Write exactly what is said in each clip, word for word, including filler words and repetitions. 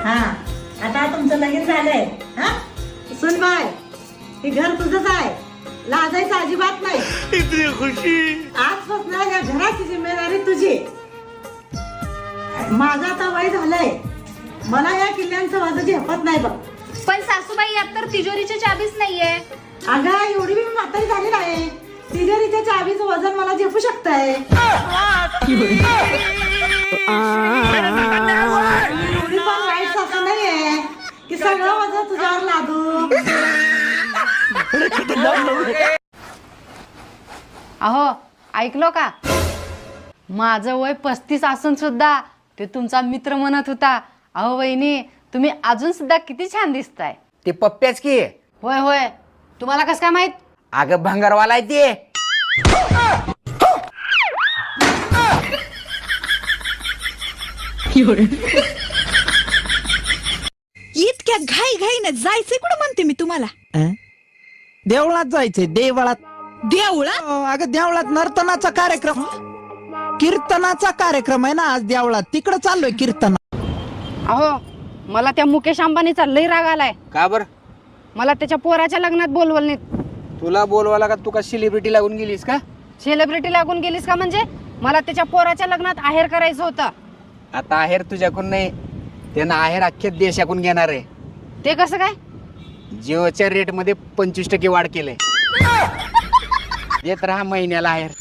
हा आता तुमचं लगीन झालंय हा सुन बाय हे घर तुझंच आहे लाजायचं अजिबात नाही इतनी खुशी आजपासून या घराची जिम्मेदारी तुझी माझं आता वय झालंय मला या किल्ल्यांचं माझं झेपत नाही बघ पण सासूबाई यात तर तिजोरीची चाबीच नाहीये अगं एवढी मी म्हातारी झाली नाही तिजोरीच्या चावीचं वजन मला झेपू शकतंय एवढी पण वाईट सासू नाहीये की सगळं वजन तुझ्यावर लादू अहो ऐकलो का माझं वय पस्तीस असून सुद्धा ते तुमचा मित्र म्हणत होता अहो वहिनी तुम्ही अजून सुद्धा किती छान दिसताय ते पप्प्याच की होय होय तुम्हाला कसं काय माहित अगं भंगारवाला आहे ते इतक्या घाई घाईने जायचंय कुठं म्हणते मी तुम्हाला देवळात जायचंय देवळात देवळात अं, अगं देवळात नर्तनाचा कार्यक्रम कीर्तनाचा कार्यक्रम आहे ना आज देवळात तिकडं चाललोय कीर्तन अहो मला त्या मुकेश अंबानीचा लई राग आलाय का बर मला त्याच्या पोराच्या लग्नात बोलवलं नाही तुला बोलवाला का तू का सेलिब्रिटी लागून गेलीस का सेलिब्रिटी लागून गेलीस का म्हणजे मला त्याच्या पोराच्या लग्नात आहेर करायचं होतं आता आहेर तुझ्याकडून नाही त्यांना आहेर अख्ख्या देशाकडून घेणार आहे ते कसं काय जिओच्या रेट मध्ये पंचवीस टक्के वाढ केलंय देत राहा महिन्याला आहेर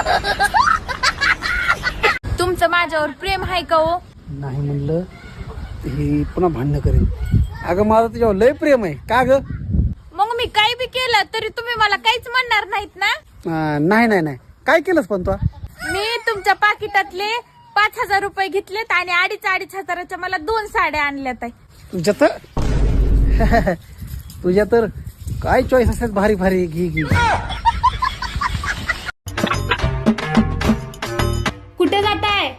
तुमचं माझ्यावर प्रेम आहे का हो नाही म्हणलं ही पुन्हा भांडणं करेन अगं माझं तुझ्यावर लय प्रेम आहे का ग मग मी काही बी केलं तरी तुम्ही मला काहीच म्हणणार नाहीत ना अं, नाही नाही नाही काय केलंस पण तू मी तुमच्या पाकिटातले पाच हजार रुपये घेतलेत आणि अडीच अडीच हजाराच्या मला दोन साड्या आणल्यात आहे. तुझ्या तर तुझ्या तर काय चॉईस असतात भारी भारी घे घे कुठे जाताय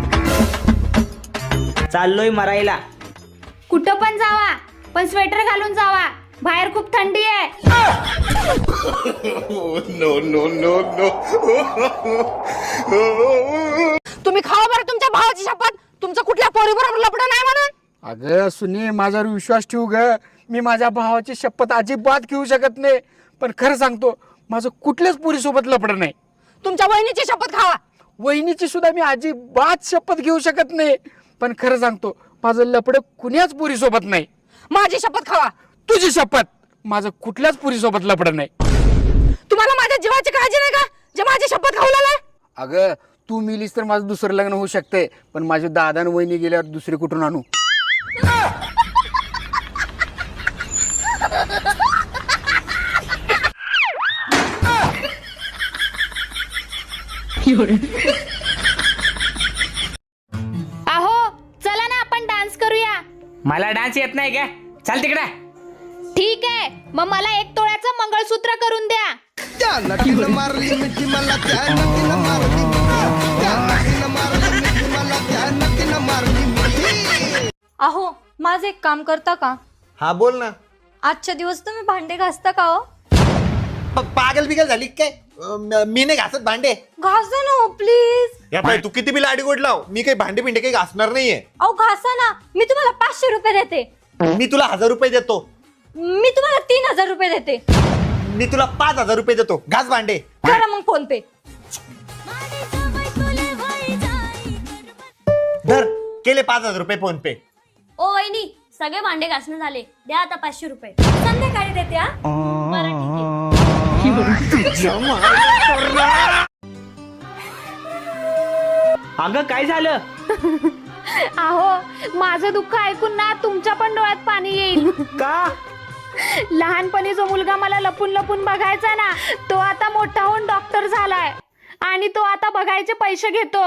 चाललोय मरायला कुठं पण जावा पण स्वेटर घालून जावा बाहेर खूप थंडी आहे नो नो नो नो तुम्ही खावा बरं तुमच्या भावाची शपथ तुमचं कुठल्या पोरीबरोबर लपडं नाही म्हणून अगं सुनी माझ्यावर विश्वास ठेवू ग मी माझ्या भावाची शपथ अजिबात घेऊ शकत नाही पण खरं सांगतो माझं कुठल्याच पोरीसोबत लपडं नाही तुमच्या वहिनीची शपथ खावा वहिनीची सुद्धा मी अजिबात शपथ घेऊ शकत नाही पण खरं सांगतो माझं लपडं कुण्याच पुरीसोबत नाही माझी शपथ खावा तुझी शपथ माझं कुठल्याच पुरीसोबत लपडं नाही तुम्हाला माझ्या जीवाची काळजी नाही का जे माझी शपथ खाऊ अगं तू मिलीस तर माझं दुसरं लग्न होऊ शकते पण माझे दादा आणि वहिनी गेल्यावर दुसरी कुठून आणू अहो चला ना आपण डान्स करूया मला डान्स येत नाही का चाल तिकडे ठीक आहे मग मला एक तोळ्याचं मंगळसूत्र करून द्या अहो माझं एक काम करता का हा बोल ना आजच्या दिवस तुम्ही भांडे घासता का हो प- पागल बिगल झाली काय अं, म- मी नाही घासत भांडे घासा ना प्लीज या पाय तू किती बिल आडी गोड लाव मी काही भांडे बिंडे काही घासणार नाहीये अहो घासा ना मी तुम्हाला पाचशे रुपये देते मी तुला हजार रुपये देतो मी तुम्हाला तीन हजार रुपये देते मी तुला पाच हजार रुपये देतो घास भांडे करा मग फोन पे धर केले पाच हजार रुपये फोन पे ओ वहिनी सगळे भांडे घासणे झाले द्या आता पाचशे रुपये संध्याकाळी देते हा बरं ठीक आहे अगं काय झालं अहो माझं दुःख ऐकून ना तुमच्या पण डोळ्यात पाणी येईल का लहानपणी जो मुलगा मला लपून लपून बघायचा ना तो आता मोठा होऊन डॉक्टर झालाय आणि तो आता बघायचे पैसे घेतो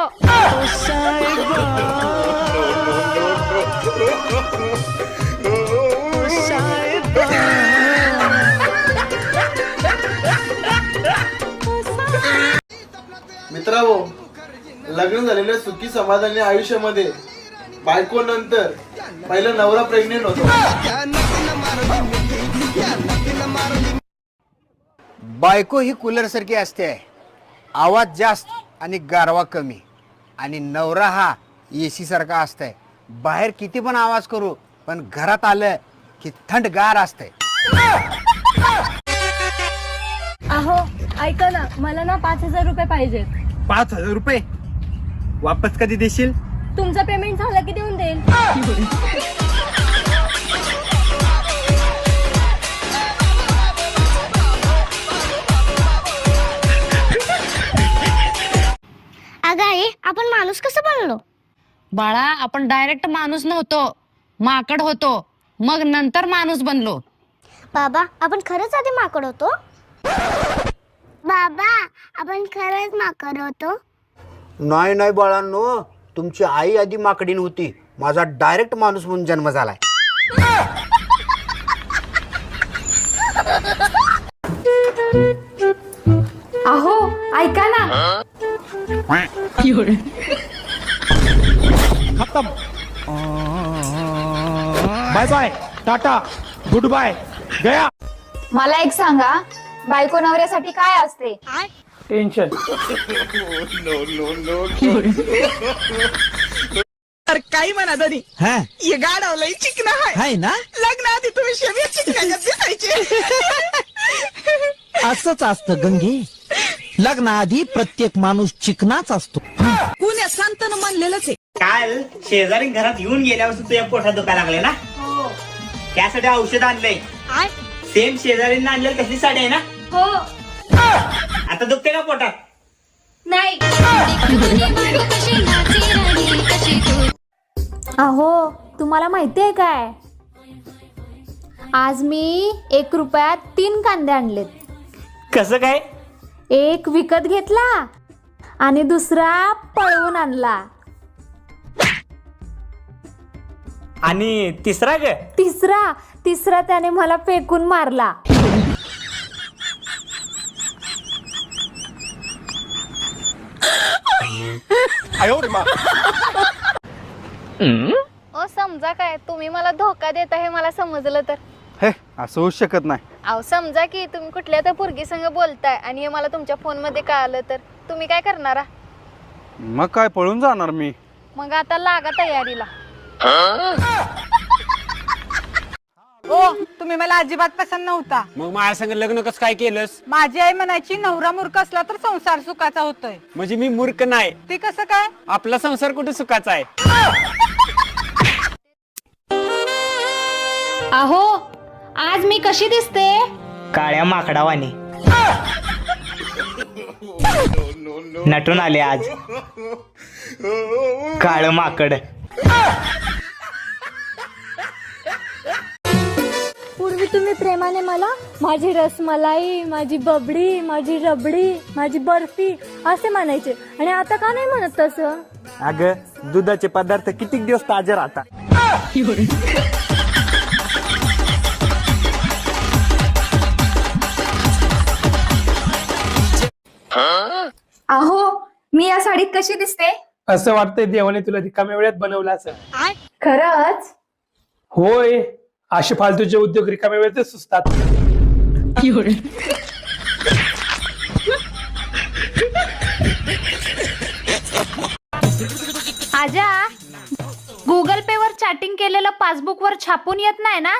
मित्रांनो लग्न झालेल्या सुखी समाधानी आयुष्यामध्ये बायको नंतर पहिला नवरा प्रेग्नेंट होतो बायको ही कूलर सारखी असते आवाज जास्त आणि गारवा कमी आणि नवरा हा एसी सारखा असतंय बाहेर किती पण आवाज करू पण घरात आलं की थंडगार असते. अहो ऐका ना, मला ना पाच हजार रुपये पाहिजेत. पाच हजार रुपये वापस कधी देशील? तुमचं पेमेंट झालं की देऊन देईल. अगं आई, आपण माणूस कसं बनलो? बाळा, आपण डायरेक्ट माणूस नव्हतो, माकड होतो, मग नंतर माणूस बनलो. बाबा, आपण खरंच आधी माकड होतो? बाबा, आपण खरंच माकड होतो? नाही नाही बाळांनो, तुमची आई आधी माकडीन होती, माझा डायरेक्ट माणूस म्हणून जन्म झालाय. अहो ऐका ना, खतम. बाय बाय, टाटा, गुड बाय, गया. मला एक सांगा, बायको नवऱ्यासाठी काय असते? टेन्शन. तर काही म्हणा तरी हा ये गाडवलंय चिकना हाय हाय ना. लग्न आधी तुम्ही शेवया चिकना दिसायचे. असंच असतं गंगे, लग्नाआधी प्रत्येक माणूस चिकनाच असतो. कुण्या संतानं म्हणलेलंच आहे. काल शेजारी घरात येऊन गेल्यावर तुझ्या पोटात दुखायला लागले ना, त्यासाठी औषध आणलंय. सेम शेजारींना आणलेलं कसली साडी आहे ना? हो. आता दुखते का पोटात? नाही. अहो तुम्हाला माहितीये काय, आज मी एक रुपयात तीन कांदे आणलेत. कसं काय? एक विकत घेतला आणि दुसरा पळवून आणला. आणि तिसरा ग? तिसरा तिसरा त्याने मला फेकून मारला. ओ समजा काय, तुम्ही मला धोका देता हे मला समजलं तर. हे असं होऊ शकत नाही. अहो समजा की तुम्ही कुठल्या तर पोरगी संग बोलताय आणि हे मला तुमच्या फोन मध्ये कळालं तर तुम्ही काय करणार? मग काय पळून जाणार मी? मग आता लागा तयारीला. ओ, तुम्ही मला अजिबात पसंत नव्हता. मग माझ्या संग लग्न कसं काय केलंस? माझी आई म्हणायची नवरा मूर्ख असला तर संसार सुखाचा होतोय. म्हणजे मी मूर्ख नाही, ते कसं काय? आपला संसार कुठे सुखाचा आहे? अहो आज मी कशी दिसते? काळ्या माकडावाने नटून आले आज. काळ माकड. पूर्वी तुम्ही प्रेमाने मला माझी रसमलाई, माझी बबडी, माझी रबडी, माझी बर्फी असे म्हणायचे, आणि आता का नाही म्हणत तसं? अगं, दुधाचे पदार्थ किती दिवस ताजे राहतात. अहो मी या साडीत कशी दिसते? असं वाटतंय देवाने तुला रिकाम्या वेळात बनवलं असं. खरंच? होय, असे फालतूचे उद्योग रिकाम्या वेळेतच सुचतात. आजा, गुगल पे वर चॅटिंग केलेलं पासबुक वर छापून येत नाही ना?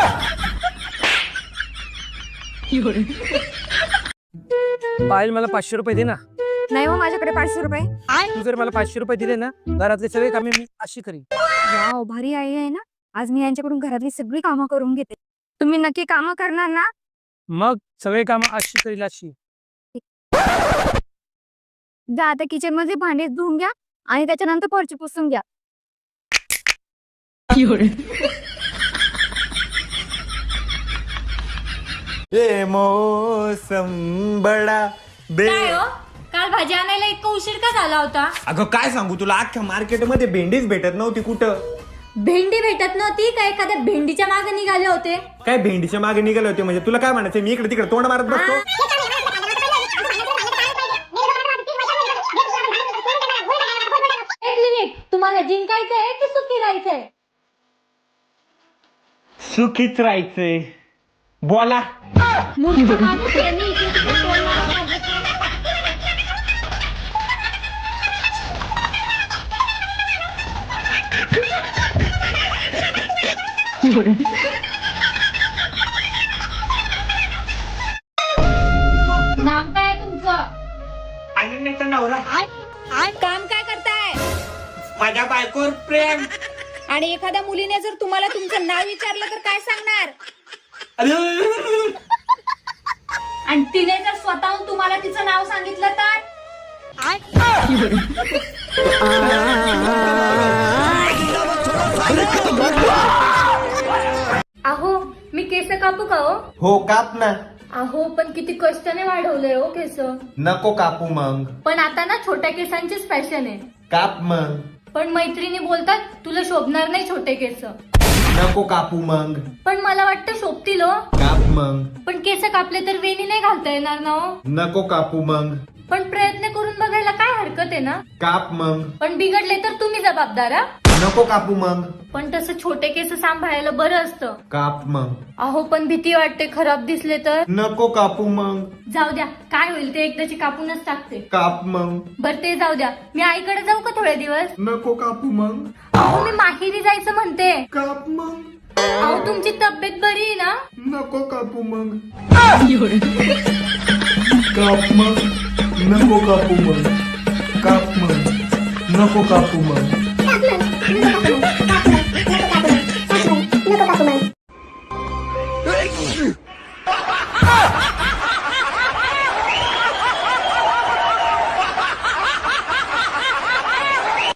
पायल, मला पाचशे रुपये दे ना. नाही हो, माझ्याकडे पाचशे रुपये. तू जर मला पाचशे रुपये दिले ना, घरातले सगळे कामे मी अशी करीन. वाव, भारी आई आहे ना. आज मी यांच्याकडून घरातली सगळी कामं करून घेते. तुम्ही नक्की कामं करणार ना? मग सगळे कामं अशी करील अशी. जा आता किचन मध्ये भांडे धुवून घ्या आणि त्याच्यानंतर फरची पुसून घ्या. ए मौसम बडा बे. काल भाजी आणायला इतका उशीर का झाला होता? अगं काय सांगू तुला, अख्ख्या मार्केटमध्ये भेंडीच भेटत नव्हती कुठं. भेंडी भेटत नव्हती का एखाद्या भेंडीच्या मागे निघाले होते? काय भेंडीच्या मागे निघाले होते म्हणजे? तुला काय म्हणायचं, मी इकडे तिकडे तोंड मारत बसतो? एक मिनिट, तुम्हाला जिंकायचंय की सुखी राहायचंय? सुखीच राहायचंय. बोला. मूर्ख माणूस यांनी इथे तिथे तोंड मारत आहे. नाव काय तुमचं? अनन्याचा नवरा. काम काय करताय? माझ्या बायकोवर प्रेम. आणि एखाद्या मुलीने जर तुम्हाला तुमचं नाव विचारलं तर काय सांगणार? आणि तिने जर स्वतःहून तुम्हाला तिचं नाव सांगितलं तर? अहो मी केस कापू का हो? हो काप ना. अहो पण किती कष्टाने वाढवलंय हो केस. नको कापू मग. पण आता ना छोट्या केसांचीच फॅशन आहे. काप मग. पण मैत्रिणी बोलतात तुला शोभणार नाही छोटे केस. नको कापू मग. पण मला वाटतं शोभतील हो. काप मग. पण केस कापले तर वेणी नाही घालता येणार ना हो. नको कापू मग. पण प्रयत्न करून बघायला काय हरकत आहे ना. काप मग. पण बिघडले तर तुम्ही जबाबदार हा. नको कापू मग. पण तसं छोटे केस सांभाळायला बरं असतं. काप मग. अहो पण भीती वाटते खराब दिसले तर. नको कापू मग. जाऊ द्या काय होईल ते एकदाची कापूनच टाकते. काप मग. बर ते जाऊ द्या मी आईकडे जाऊ का थोडे दिवस? नको कापू मग. अहो मी माहेरी जायचं म्हणते. काप मग. अहो तुमची तब्येत बरी आहे ना? नको कापू मग. काप मग. नको कापू मग. काप मग. नको कापू मग.